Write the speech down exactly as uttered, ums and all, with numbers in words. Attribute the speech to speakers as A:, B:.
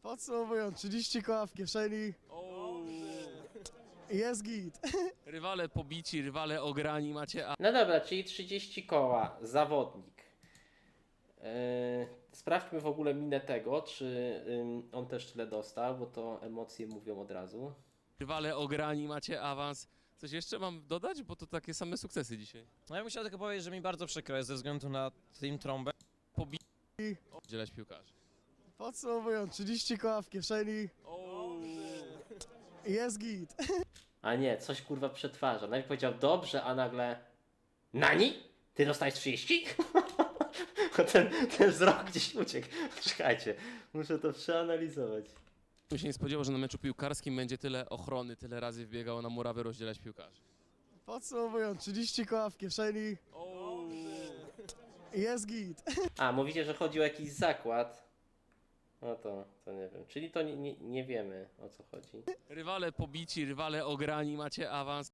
A: Podsumowując, trzydzieści koła w kieszeni, jest git.
B: Rywale pobici, rywale ograni, macie a
C: No dobra, czyli trzydzieści koła, zawodnik. Yy, sprawdźmy w ogóle minę tego, czy ym, on też tyle dostał, bo to emocje mówią od razu.
B: rywale ograni, macie awans. Coś jeszcze mam dodać? Bo to takie same sukcesy dzisiaj.
D: No ja bym chciał tylko powiedzieć, że mi bardzo przykro jest ze względu na Team Trąbę.
B: Oddzielać piłkarzy.
A: Podsumowując, trzydzieści koła w kieszeni, jest git.
C: A nie, coś kurwa przetwarza. Najpierw powiedział dobrze, a nagle... Nani? Ty dostałeś trzydzieści? ten, ten wzrok gdzieś uciekł. Czekajcie, muszę to przeanalizować.
B: Bym się nie spodziewał, że na meczu piłkarskim będzie tyle ochrony, tyle razy wbiegało na murawę rozdzielać piłkarzy.
A: Podsumowując, trzydzieści koła w kieszeni, jest git.
C: A, mówicie, że chodzi o jakiś zakład. No to, to nie wiem. Czyli to nie, nie, nie wiemy, o co chodzi.
B: Rywale pobici, rywale ograni, macie awans.